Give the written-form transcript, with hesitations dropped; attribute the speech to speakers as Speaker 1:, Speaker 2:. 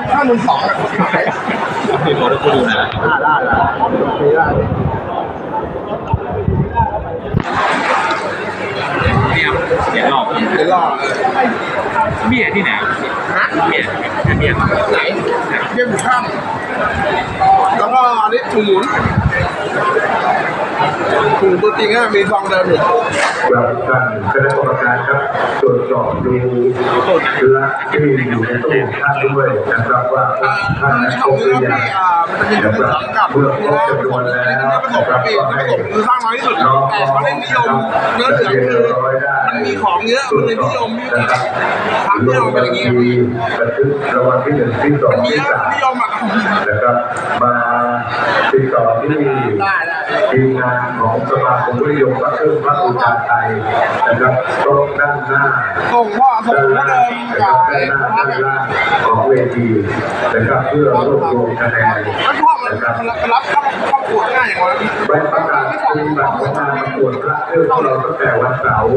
Speaker 1: ถ้ามือสองขาย
Speaker 2: พี่โน้ตกูดูนะ
Speaker 1: ได้
Speaker 2: เนี่ยเดี๋ยวหลอกเมียที่ไหน
Speaker 1: ฮะ
Speaker 2: เมีย
Speaker 1: ไหนเยี่ยมข้ามแล้วก็อันนี้ถุงหมุนถุงตัวจริงอะมีซองเดิมอยู่
Speaker 3: เราท่านคณะกรรมการครับตรวจสอบดูเชื้อที่อยู่ในตู้ท่านด้วยนะครับว่าท่านนั้นครบหรือยังนะครับเมื่อครบจำนวนแล้วนะครับก็ให้
Speaker 1: คือสร้างน้อยที่สุดแต่เขาได้นิยมเนื้อเหลืองคือมันมีของเยอะมันเลยนิยม
Speaker 3: นะครับ
Speaker 1: ทำนิยมเป็นอย่างนี้ครับพี่
Speaker 3: บันทึกรางวัลที่1ที่2ที่3
Speaker 1: นิยมอ่ะ
Speaker 3: นะครับมาติดต่อที่ทีมงานของสมาคมวิทยุพระเครื่องพระอุทาไทยนะครับตรงด้านหน้า
Speaker 1: ส่งพ่อส่งพ่อเดิม
Speaker 3: กับด้านหน้าด้านล่างของเวทีนะครับเพื่อรวบรวมคะแนน
Speaker 1: แล้วพ่อมันรับเข้าปวดง่ายอย่างไร
Speaker 3: ใบประกาศเป็นบัตรของงานประกวดพระเครื่องของเราตั้งแต่วันเสาร์